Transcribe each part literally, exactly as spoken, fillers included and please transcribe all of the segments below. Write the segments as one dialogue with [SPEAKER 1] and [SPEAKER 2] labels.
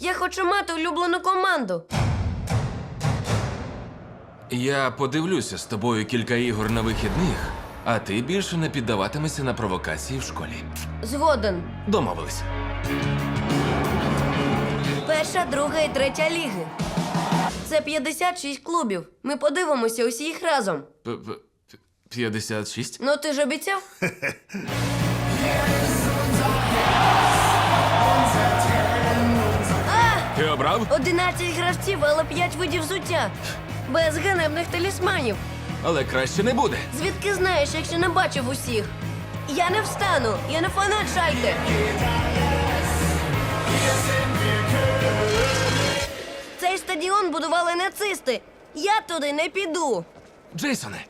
[SPEAKER 1] Я хочу мати улюблену команду.
[SPEAKER 2] Я подивлюся з тобою кілька ігор на вихідних, а ти більше не піддаватимешся на провокації в школі.
[SPEAKER 1] Згоден.
[SPEAKER 2] Домовились.
[SPEAKER 1] Перша, друга і третя ліги. Це п'ятдесят шість клубів. Ми подивимося усі їх разом.
[SPEAKER 2] П- п- п'ятдесят шість?
[SPEAKER 1] Ну ти ж обіцяв?
[SPEAKER 2] Ти обрав?
[SPEAKER 1] одинадцять гравців, але п'ять видів взуття. Без ганебних талісманів.
[SPEAKER 2] Але краще не буде.
[SPEAKER 1] Звідки знаєш, якщо не бачив усіх? Я не встану, я не фанат Шальке. Цей стадіон будували нацисти. Я туди не піду.
[SPEAKER 2] Джейсоне,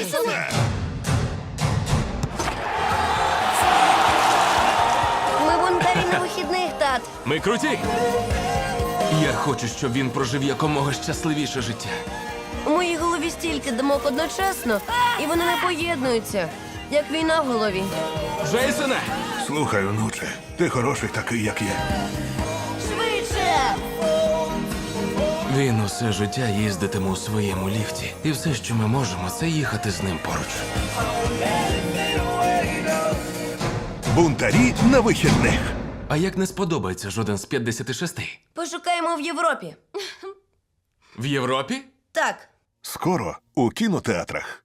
[SPEAKER 1] Ми бунтарі на вихідних, тат.
[SPEAKER 2] ми круті. Я хочу, щоб він прожив якомога щасливіше життя.
[SPEAKER 1] У моїй голові стільки думок одночасно, і вони не поєднуються, як війна в голові.
[SPEAKER 2] Джейсоне!
[SPEAKER 3] Слухай, онуче, ти хороший такий, як є.
[SPEAKER 1] Швидше!
[SPEAKER 2] Він усе життя їздитиме у своєму ліфті. І все, що ми можемо, це їхати з ним поруч.
[SPEAKER 3] Бунтарі на вихідних.
[SPEAKER 2] А як не сподобається жоден з п'ятдесят шість?
[SPEAKER 1] Пошукаємо в Європі.
[SPEAKER 2] В Європі?
[SPEAKER 1] Так.
[SPEAKER 3] Скоро у кінотеатрах.